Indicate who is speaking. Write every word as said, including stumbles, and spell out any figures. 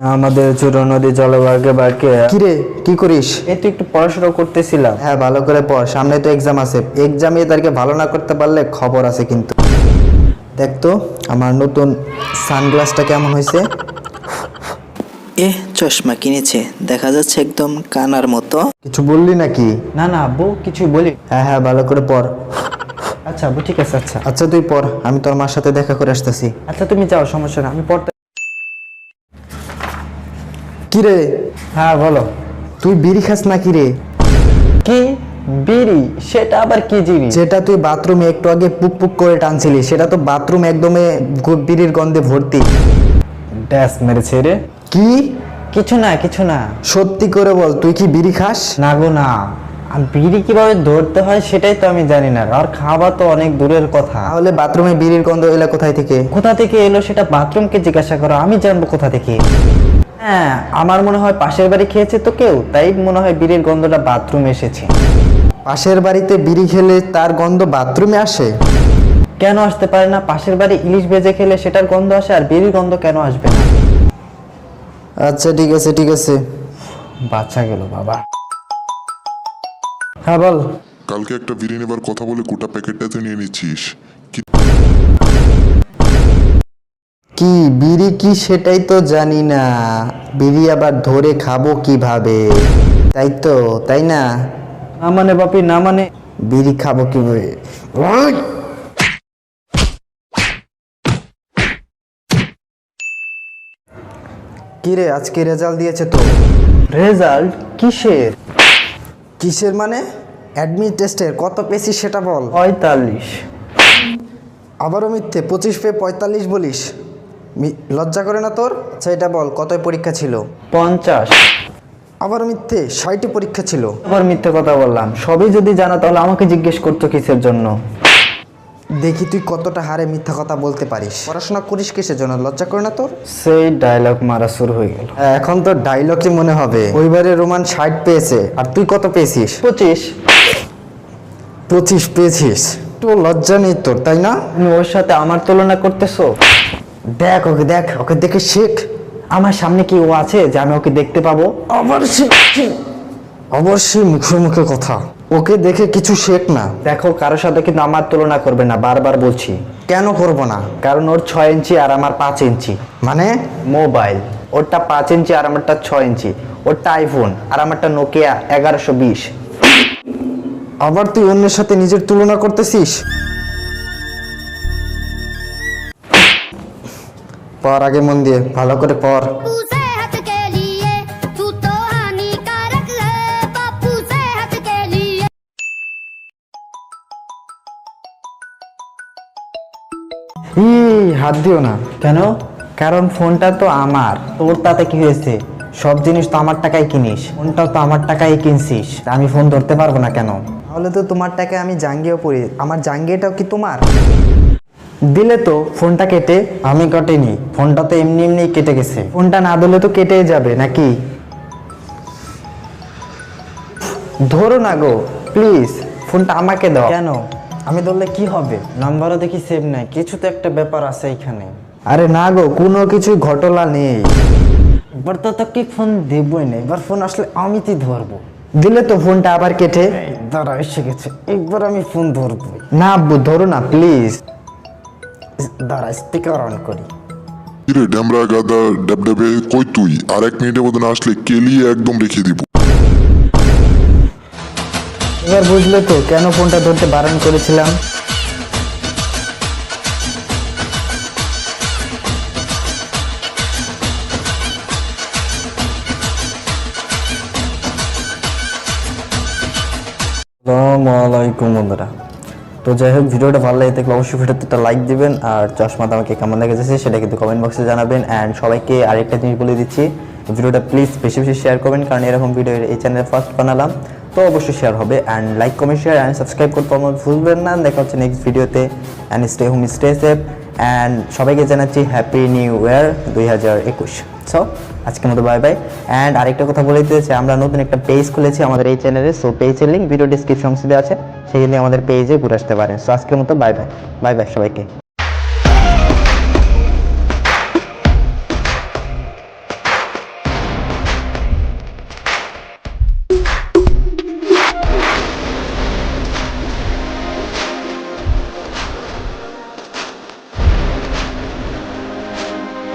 Speaker 1: আমাদের ছোট নদী জলভাগে বাঁকে।
Speaker 2: কিরে কি করিস?
Speaker 1: এই তো একটু পড়াশোনা করতেছিলাম।
Speaker 2: হ্যাঁ ভালো করে পড়, সামনে তো এক্সাম আছে। এক্সামে তাদেরকে ভালো না করতে পারলে খবর আছে কিন্তু। দেখ তো আমার নতুন সানগ্লাসটা কেমন হয়েছে।
Speaker 3: এ চশমা কিনেছে, দেখা যাচ্ছে একদম কানার মতো।
Speaker 2: কিছু বললি নাকি?
Speaker 1: না না আব্বু কিছুই বলি।
Speaker 2: হ্যাঁ হ্যাঁ ভালো করে পড়।
Speaker 1: আচ্ছা আব্বু ঠিক আছে। আচ্ছা
Speaker 2: আচ্ছা তুই পড়, আমি তোর মার সাথে দেখা করে আসতেছি।
Speaker 1: আচ্ছা তুমি যাও, সমস্যা না, আমি পড়তে।
Speaker 2: কিরে
Speaker 1: হ্যাঁ বলো।
Speaker 2: তুই বিড়ি খাস না কিরে?
Speaker 1: কি বিড়ি? সেটা আবার কি জিনিস?
Speaker 2: যেটা তুই বাথরুমে একটু আগে পুক পুক করে টানছিলি, সেটা তো বাথরুম একদমে গু- বিড়ির গন্ধে ভর্তি।
Speaker 1: ড্যাস মেরেছে রে।
Speaker 2: কি?
Speaker 1: কিছু না কিছু না।
Speaker 2: সত্যি করে বল, তুই কি বিড়ি খাস?
Speaker 1: না গো না, আর বিড়ি কিভাবে ধরতে হয় সেটাই তো আমি জানি না, আর খাওয়া তো অনেক দূরের কথা।
Speaker 2: তাহলে বাথরুমে বিড়ির গন্ধ এলো কোথায় থেকে?
Speaker 1: কোথা থেকে এলো সেটা বাথরুমকে জিজ্ঞাসা করো, আমি জানবো কোথা থেকে। হ্যাঁ আমার মনে হয় পাশের বাড়ি খেয়েছে তো কেউ, তাই মনে হয় বিড়ির গন্ধটা বাথরুমে এসেছে।
Speaker 2: পাশের বাড়িতে বিড়ি খেলে তার গন্ধ বাথরুমে আসে?
Speaker 1: কেন আসতে পারে না? পাশের বাড়ি ইলিশ ভেজে খেলে সেটার গন্ধ আসে, আর বিড়ির গন্ধ কেন আসবে না?
Speaker 2: আচ্ছা ঠিক আছে ঠিক আছে।
Speaker 1: বাচ্চা গেল বাবা। হ্যাঁ বল।
Speaker 4: কালকে একটা বিড়ি নেবার কথা বলে গোটা প্যাকেটটাতে নিয়ে নিচ্ছিস কি?
Speaker 2: কি বিড়ি কি সেটাই তো জানি না, বিড়ি আবার ধরে খাবো কিভাবে, তাই তো তাই না?
Speaker 1: না মানে বাপি না মানে।
Speaker 2: বিড়ি খাবো কিভাবে? ওই! কিরে আজকে রেজাল্ট দিয়েছে তো?
Speaker 1: রেজাল্ট কিসের?
Speaker 2: কিসের মানে? অ্যাডমিট টেস্টের কত পেয়েছিস সেটা বল।
Speaker 1: পঁয়তাল্লিশ।
Speaker 2: আবারও মিথ্যে, পঁচিশ পেয়ে পঁয়তাল্লিশ বলিস? মি- লজ্জা করে না তোর? আচ্ছা এটা বল, কত পরীক্ষা ছিল?
Speaker 1: পঞ্চাশ।
Speaker 2: আবারও মিথ্যে, ষাটটি পরীক্ষা ছিল।
Speaker 1: আবার মিথ্যে কথা বললাম? সবই যদি জানা তাহলে আমাকে জিজ্ঞেস করতো কিসের জন্য?
Speaker 2: দেখি তুই কতটা হারে মিথ্যা কথা বলতে পারিস। পড়াশোনা করিস কিসের জন্য, লজ্জা করে না তোর?
Speaker 1: সেই ডায়লগ মারা শুরু হয়ে গেল।
Speaker 2: হ্যাঁ, এখন তো ডায়লগই মনে হবে। ওইবারে রোমান ষাট পেয়েছে, আর তুই কত পেয়েছিস?
Speaker 1: পঁচিশ।
Speaker 2: পঁচিশ পেয়েছিস? তো লজ্জা নেই তোর, তাই না?
Speaker 1: তুমি ওর সাথে আমার তুলনা করতেছো?
Speaker 2: দেখ ওকে, দেখ ওকে দেখে শেখ।
Speaker 1: আমার সামনে কি ও আছে যে আমি ওকে দেখতে পাবো?
Speaker 2: অবশ্যই অবশ্যই মুখে মুখে কথা, ওকে দেখে কিছু শেখ না।
Speaker 1: দেখো কারোর সাথে কিন্তু আমার তুলনা করবে না, বারবার বলছি।
Speaker 2: কেন করবো না?
Speaker 1: কারণ ওর ছয় ইঞ্চি আর আমার পাঁচ ইঞ্চি।
Speaker 2: মানে?
Speaker 1: মোবাইল ওরটা পাঁচ ইঞ্চি আর আমারটা ছয় ইঞ্চি। ওরটা আইফোন আর আমারটা নোকিয়া এগারোশো বিশ।
Speaker 2: আবার তুই অন্যের সাথে নিজের তুলনা করতেছিস? পড় আগে মন দিয়ে, ভালো করে পড়।
Speaker 5: बापू सेहत के लिए तू तो हानिकारक है, बापू सेहत के लिए।
Speaker 1: ই হাত দিও না। কেন? কারণ ফোনটা তো আমার। তোর তাতে কি হয়েছে? সব জিনিস তো আমার টাকায় কিনিস, ফোনটাও তো আমার টাকায় কিনছিস, আমি ফোন ধরতে পারবো না কেন?
Speaker 2: তাহলে তো তোমার টাকায় আমি জাঙ্গিয়েও পড়ি, আমার জাঙ্গিয়াটাও কি তোমার?
Speaker 1: দিলে তো ফোনটা কেটে। আমি কাটিনি, ফোনটা তো এমনি এমনি কেটে গেছে। ফোনটা না দিলে তো কেটেই যাবে নাকি? ধরো না গো প্লিজ, ফোনটা আমাকে দাও। কেন? আমি ধরলে কি হবে? নাম্বারও দেখি সেভ নাই, কিছু তো একটা ব্যাপার আছে এখানে।
Speaker 2: আরে না গো, কোনো কিছু ঘটনা নেই।
Speaker 1: এবার তো তোকে ফোন দেবই না, এবার ফোন আসলে আমি তুই ধরবো।
Speaker 2: দিলে তো ফোনটা আবার কেটে।
Speaker 1: এই দাঁড়া এসে গেছে, একবার আমি ফোন ধরবো।
Speaker 2: না আব্বু ধরো না প্লিজ।
Speaker 1: দাঁড়া স্পিকার অন করি।
Speaker 4: কিরে ড্যামরা গাদা ড্যাবড্যাবে কই তুই? আর এক মিনিটের মধ্যে না আসলে কেলিয়ে একদম রেখে দিব।
Speaker 1: এবার বুঝলে তো কেন ফোনটা ধরতে বারণ করেছিলাম? আসসালামু আলাইকুম বন্ধুরা। তো যাই হোক, ভিডিওটা ভালো লাগে থাকলে অবশ্যই ভিডিওতে একটা লাইক দিবেন, আর চশমাটা আমাকে কেমন লেগেছে সেটা কিন্তু কমেন্ট বক্সে জানাবেন। অ্যান্ড সবাইকে আরেকটা জিনিস বলে দিচ্ছি, ভিডিওটা প্লিজ বেশি বেশি শেয়ার করবেন, কারণ এরকম ভিডিও এই চ্যানেলে ফার্স্ট বানালাম, তো অবশ্যই শেয়ার হবে। And like comment share and subscribe করতে আমার ভুলবেন না। দেখা হচ্ছে নেক্সট ভিডিওতে। And stay home stay safe. And সবাইকে জানাচ্ছি হ্যাপি নিউ ইয়ার দুই হাজার একুশ। সো আজকের মতো বাই বাই। অ্যান্ড আরেকটা কথা বলে দিতেছি, আমরা নতুন একটা পেজ খুলেছি আমাদের এই চ্যানেলে। সো পেজের লিঙ্ক ভিডিও ডিসক্রিপশন আছে, সেখানে আমাদের পেজে ঘুরে আসতে পারেন। সো আজকের মতো বাই বাই বাই বাই সবাইকে।